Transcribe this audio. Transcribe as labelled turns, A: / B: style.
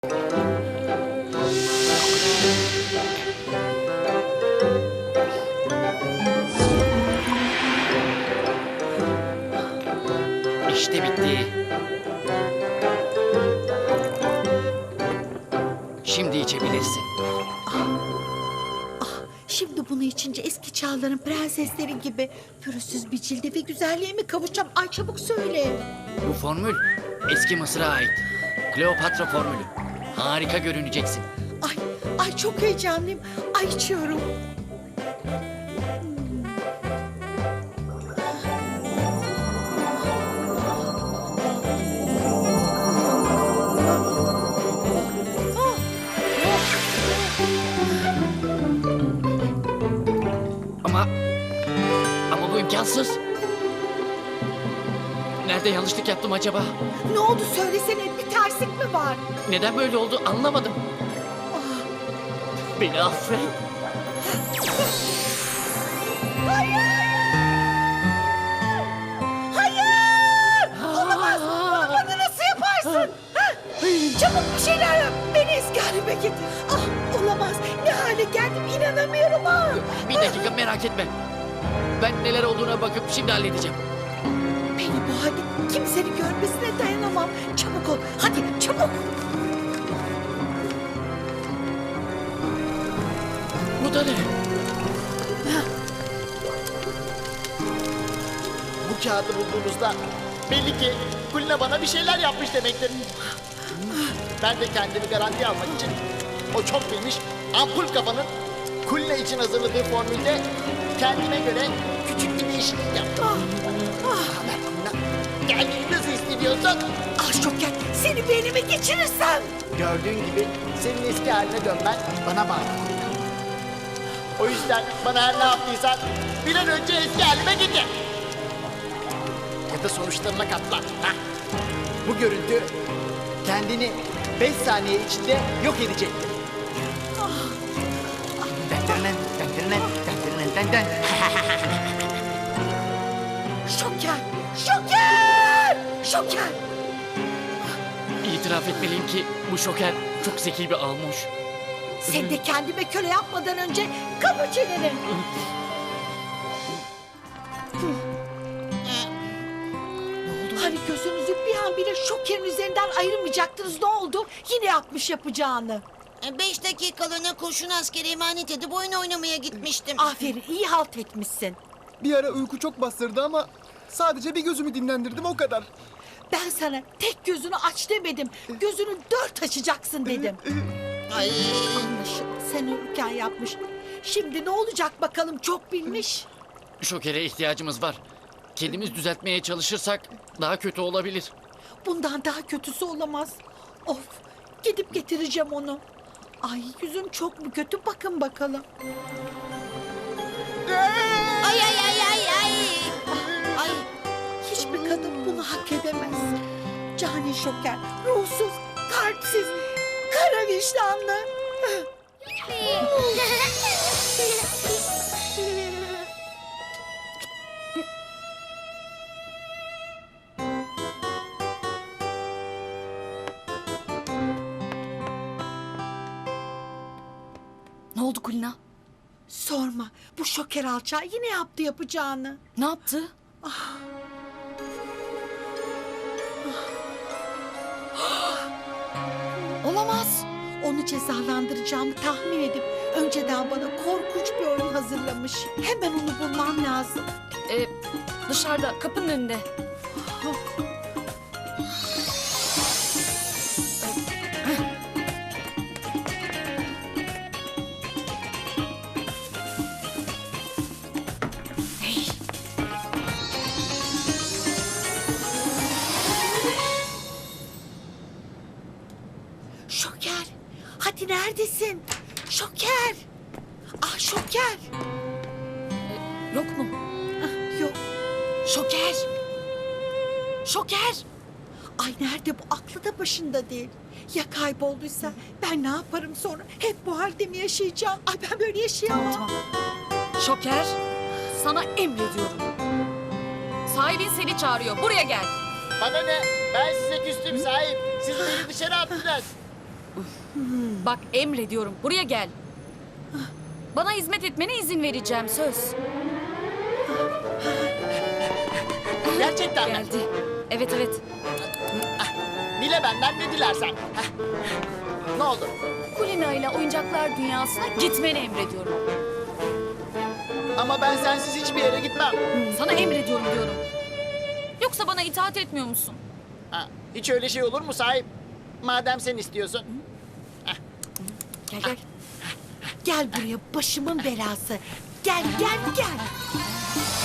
A: İşte bitti. Şimdi içebilirsin.
B: Şimdi bunu içince eski çağların prensesleri gibi pürüzsüz bir cilde ve güzelliğe mi kavuşacağım? Ay çabuk söyle.
A: Bu formül eski Mısır'a ait. Kleopatra formülü. Harika görüneceksin.
B: Ay çok heyecanlıyım. Ay içiyorum.
A: Ama bu imkansız. Nerede yanlışlık yaptım acaba?
B: Ne oldu söylesene, bir terslik mi var?
A: Neden böyle oldu anlamadım. Beni affet.
B: Hayır! Olamaz! Bunu bana nasıl yaparsın? Ha? Çabuk bir şeyler yap. Beni eski halime getir. Olamaz. Ne hale geldim inanamıyorum ha.
A: Bir dakika merak etme. Ben neler olduğuna bakıp şimdi halledeceğim.
B: Beni bu halde kimsenin görmesine dayanamam. Çabuk ol. Hadi çabuk.
A: Bu da ne?
C: Bu kağıdı bulduğunuzda belli ki Kulina bana bir şeyler yapmış demektir. Ben de kendimi garantiye almak için o çok bilmiş ampul kafanın Kulina için hazırladığı formülde kendime göre küçük bir değişiklik yaptım. Kendini nasıl hissediyorsun?
B: Şoker, seni beynime geçirirsem.
C: Gördüğün gibi senin eski haline dönmen bana bağlı. O yüzden bana her ne yaptıysan bir an önce eski halime getir. Ya da sonuçlarına katlan. Hah. Bu görüntü kendini 5 saniye içinde yok edecektir.
B: Şoker, Şoker, Şoker.
A: İtiraf etmeliyim ki bu şoker çok zeki bir almış.
B: Sen de kendime köle yapmadan önce kapa çeneni. Hani gözünüzü bir an bile Şoker'in üzerinden ayırmayacaktınız, ne oldu? Yine yapmış yapacağını.
D: 5 dakikalığına kurşun askeri emanet edip oyun oynamaya gitmiştim.
B: Aferin, iyi halt etmişsin.
E: Bir ara uyku çok bastırdı ama sadece bir gözümü dinlendirdim o kadar.
B: Ben sana tek gözünü aç demedim. Gözünü 4 açacaksın dedim.
D: Ay.
B: Anlaşıldı, sen uyurken yapmış. Şimdi ne olacak bakalım, çok bilmiş.
A: Şokere ihtiyacımız var. Kendimiz düzeltmeye çalışırsak daha kötü olabilir.
B: Bundan daha kötüsü olamaz. Of, gidip getireceğim onu. Ay yüzüm çok mu kötü, bakın bakalım.
D: Ay ay ay ay ay. Ay.
B: Hiçbir kadın bunu hak edemez. Cani Şoker, ruhsuz, kalpsiz, kara vicdanlı.
F: Ne oldu Kulina?
B: Sorma, bu Şoker alçağı yine yaptı yapacağını.
F: Ne yaptı? Olamaz.
B: Onu cezalandıracağımı tahmin edip önceden bana korkunç bir oyun hazırlamış. Hemen onu bulmam lazım.
F: Dışarıda kapının önünde. Hey.
B: Şoker, hadi neredesin? Şoker. Şoker.
F: Yok mu?
B: Yok.
F: Şoker. Şoker.
B: Ay nerede bu, aklı da başında değil. Ya kaybolduysa ben ne yaparım sonra? Hep bu halde mi yaşayacağım? Ay ben böyle yaşayamam.
F: Tamam. Şoker. Sana emrediyorum. Sahibin seni çağırıyor. Buraya gel.
C: Bana ne? Ben size küstüm sahip. Siz beni dışarı attınız.
F: Bak emrediyorum. Buraya gel. Bana hizmet etmene izin vereceğim söz.
C: Gerçekten mi?
F: Geldi. Evet evet.
C: Dile benden ne dilersen. Heh. Ne oldu?
F: Kulina ile oyuncaklar dünyasına gitmeni emrediyorum.
C: Ama ben sensiz hiçbir yere gitmem.
F: Sana emrediyorum diyorum. Yoksa bana itaat etmiyor musun?
C: Ha, hiç öyle şey olur mu sahip? Madem sen istiyorsun.
F: Gel gel.
B: Gel buraya başımın belası. Gel gel gel.